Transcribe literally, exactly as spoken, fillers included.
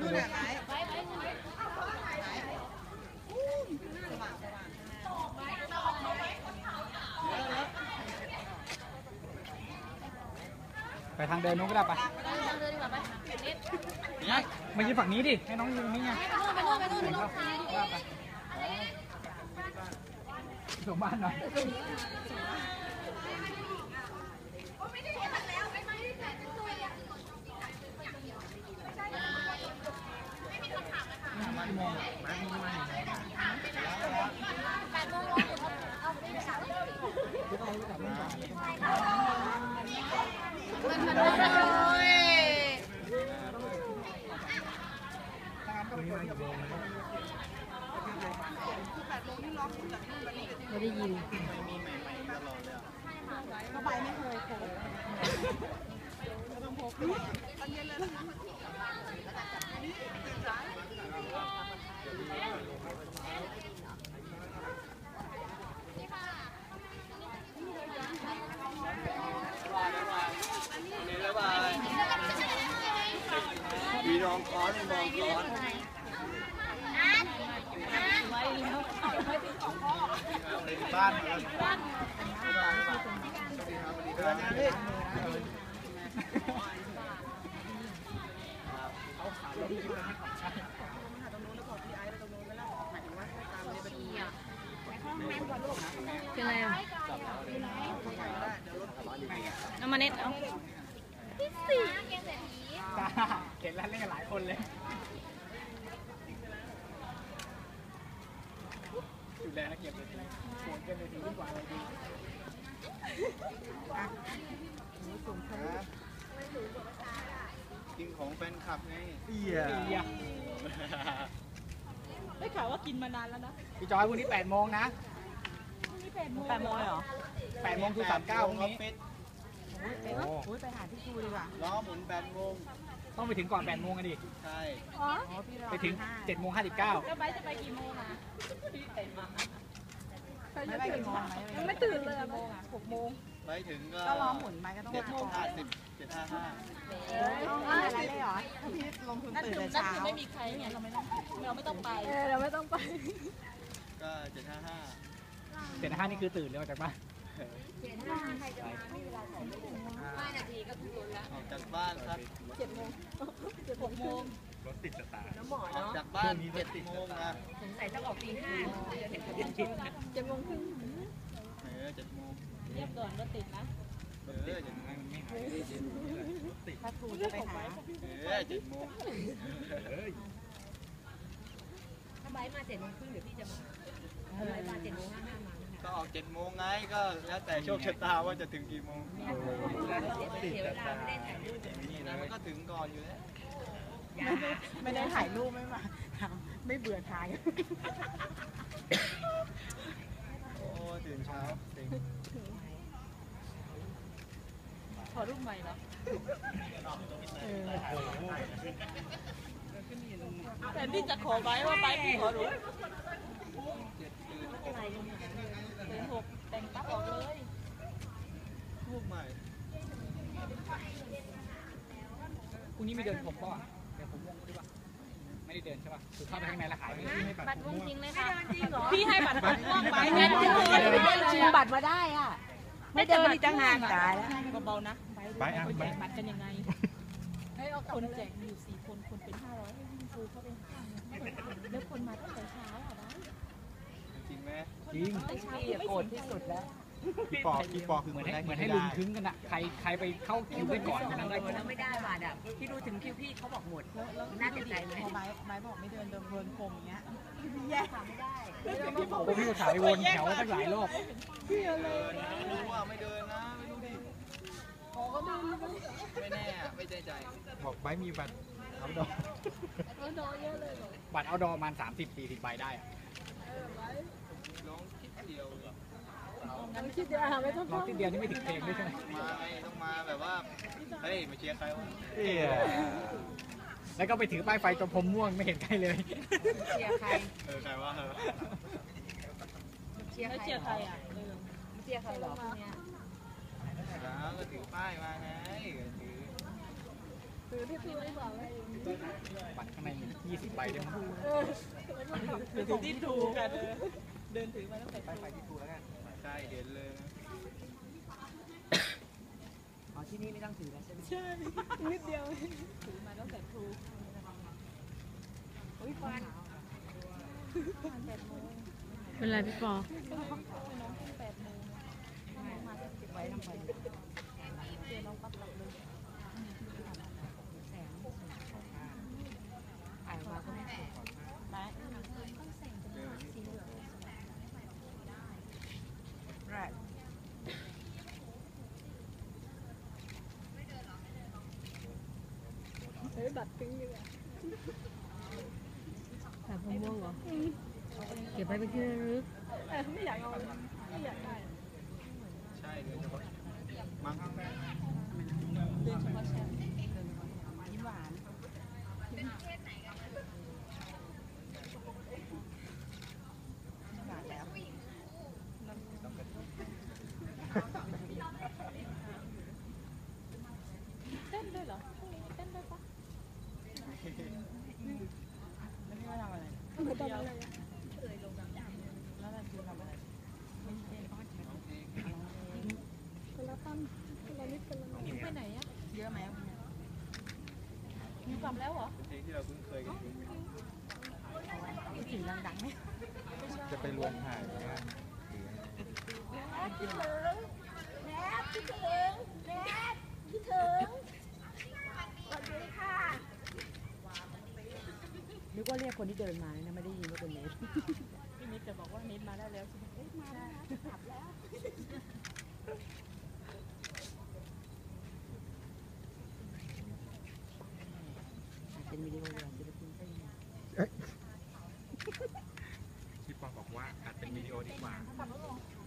ดูหน่อยไหมไปทางเดินนู้นก็ได้ปะมายืนฝั่งนี้ดิให้น้องยืนนี่ไงไปนู่นไปนู่นไปนู่นส่งบ้านหน่อยไม่ได้ยินก็ไปไม่เคยโผล่ต้องพกตอนเย็นเลยนะมีรองค้อนมองค้อนบ้านเดินนะพี่เป็นไรอ่ะเอามาเน็ตเอาพี่สี่เห็นแล้วเล่นกันหลายคนเลยดูแลนักเก็บเลยโหดกันเลยทีดีกว่าเลยดีกินของแฟนคลับไงเอียได้ข่าวว่ากินมานานแล้วนะพี่จอยวันนี้แปดโมงนะแปดโมงแปดโมงเหรอแปดโมงคือสามเก้าวันนี้โอ้ยไปหาพี่ชูดีกว่าล้อหมุนแปดโมงต้องไปถึงก่อนแปดโมงกันดิใช่ไปถึงเจ็ดโมงห้าสิบเก้าแล้วไปจะไปกี่โมงอ่ะไม่ไปกี่โมงยังไม่ตื่นเลยโมงอ่ะหกโมงไปถึงก็ก็ล้อหมุนไปก็ต้องเจ็ดโมงห้าสิบเจ็ดห้าห้าอะไรเลยเหรอถ้าพี่ลงทุนตื่นแต่เช้าไม่มีใครไงเราไม่ต้องเราไม่ต้องไปเราไม่ต้องไปก็เจ็ดห้าห้าเจ็ดห้านี่คือตื่นเลยออกจากบ้านเจ็ดห้าใครจะมาไม่เวลาถ่ายรูปห้านาทีก็ถึงรถแล้วออกจากบ้านครับเจ็ดโมงเจ็ดหกโมงรถติดสตาร์น้ำหมอเนาะจากบ้านเจ็ดโมงนะสงสัยต้องออกตีห้าเจ็ดโมงครึ่งเออเจ็ดโมงเรียบด่วนรถติดนะเออเจ็ดโมงไม่หายติดถ้าครูจะไปหาเออเจ็ดโมงถ้าไบมาเจ็ดโมงครึ่งเดี๋ยวพี่จะมาถ้าไบมาเจ็ดโมงห้าห้ามาก็ออกเจ็ดโมงไงก็แล้วแต่โชคชะตาว่าจะถึงกี่โมงเสียเวลาไม่ได้ถ่ายรูปนี่นะมันก็ถึงก่อนอยู่แล้วไม่ได้ถ่ายรูปไม่มาไม่เบื่อถ่ายโอ้ตื่นเช้าขอรูปใหม่เหรอแต่ที่จะขอไว้ว่าไว้พี่ขอรู้เป็นหกแต่งตั้งออกเลยรูปใหม่พรุ่งนี้มีเดินผมป่ะเดินผมม่วงด้วยป่ะไม่ได้เดินใช่ป่ะคือเข้าไปข้างในแล้วขายไม่ได้บัตรม่วงจริงเลยค่ะจริงเหรอพี่ให้บัตรม่วงไปเนี่ยชิงบัตรมาได้อ่ะไม่เดินอีกตั้งนานตายแล้วเบาๆนะไปอ่ะแจกบัตรกันยังไงคนแจกมีอยู่สี่คนคนเป็นห้าร้อยให้วิ่งครูเข้าไปหาแล้วคนมาตั้งแต่เช้าอ่ะนะจริงไหมจริงโกรธที่สุดแล้วพี่ปอพี่ปอคือเหมือนให้เหมือนให้ลุงคึ้งกันอะใครใครไปเข้าคิวไปก่อนคนนั้นได้ก่อนไม่ได้บัตรอ่ะพี่ดูถึงคิวพี่เขาบอกหมดน่าเสียใจไหมพอไม้ไม้บอกไม่เดินเดินวนพรมอย่างเงี้ยพี่แย่ไม่ได้ผมพี่ก็ขายวนแถวตั้งหลายรอบพี่เลยนะรู้ว่าไม่เดินนะไม่รู้ดิโอ้ก็เดินไม่แน่ไม่ใจใจบอกไม้มีบัตรเอาดอบัตรเอาดอประมาณสามสิบสี่สิบใบได้อะลองคิดเดียวงั้นคิดเดียวไม่ต้องลองคิดเดียวนี่ไม่ถึงเพลงด้วยใช่ไหมมาไงต้องมาแบบว่าเฮ้ยมาเชียร์ใครวะแล้วก็ไปถือป้ายไฟจนผมม่วงไม่เห็นใครเลยเชียร์ใครเออใครวะเออเชียร์เชียร์ใครอ่ะเชียร์ใครหรอเนี่ยแล้วก็ถือป้ายมาไงถือคือบัตรข้างในมียี่สิบใบได้มั้งที่ถูกกันเดินถือมาตั้งแต่ไปไปที่ทูแล้วกันใช่เห็นเลยนะอ๋อที่นี่ไม่ต้องถือแล้วใช่ไหมใช่นิดเดียวถือมาตั้งแต่ครูโอ้ยฟันเป็นไรพี่ปอน้องขึ้นแปดโมงมาเก็บไว้ทำไมเจอน้องปั๊บกลับเลยแสงอ่านมาก็ไม่ถูกไปแรกเฮ้ยบัตรทิ้งดีกว่าแบบมะม่วงเหรอ เก็บไว้เป็นที่ระลึกแต่ไม่อยากเอาไม่อยากได้ใช่เลยเฉพาะมั้งเดินเฉพาะแชมป์ยิ้มหวานหวานแล้วเต้นด้วยเหรอพรุ่งนี้เต้นด้วยปะแล้วพี่ว่าทำอะไรไม่ทำอะไรแล้วเราคือทำอะไรไม่เต้นป้อนฉันคนละตั้มคนละนิดคนละหน่อยไปไหนอะเยอะไหมอยู่กลับแล้วเหรอเป็นเพลงที่เราคุ้นเคยกันอยู่คิดถึงดังๆไหมจะไปรวมถ่ายนะคิดถึงแม่คิดถึงแม่คิดถึงสวัสดีค่ะนึกว่าเรียกคนที่เดินมานะไม่ได้ยินว่าเป็นเนทพี่นิดจะบอกว่าเนทมาได้แล้วใช่ไหมเอ๊ะมาแล้วนะกลับแล้วเป็นวิดีโออย่างศิลปินเต้นพี่ปอบอกว่าอาจเป็นวิดีโอดีกว่าขับรถลง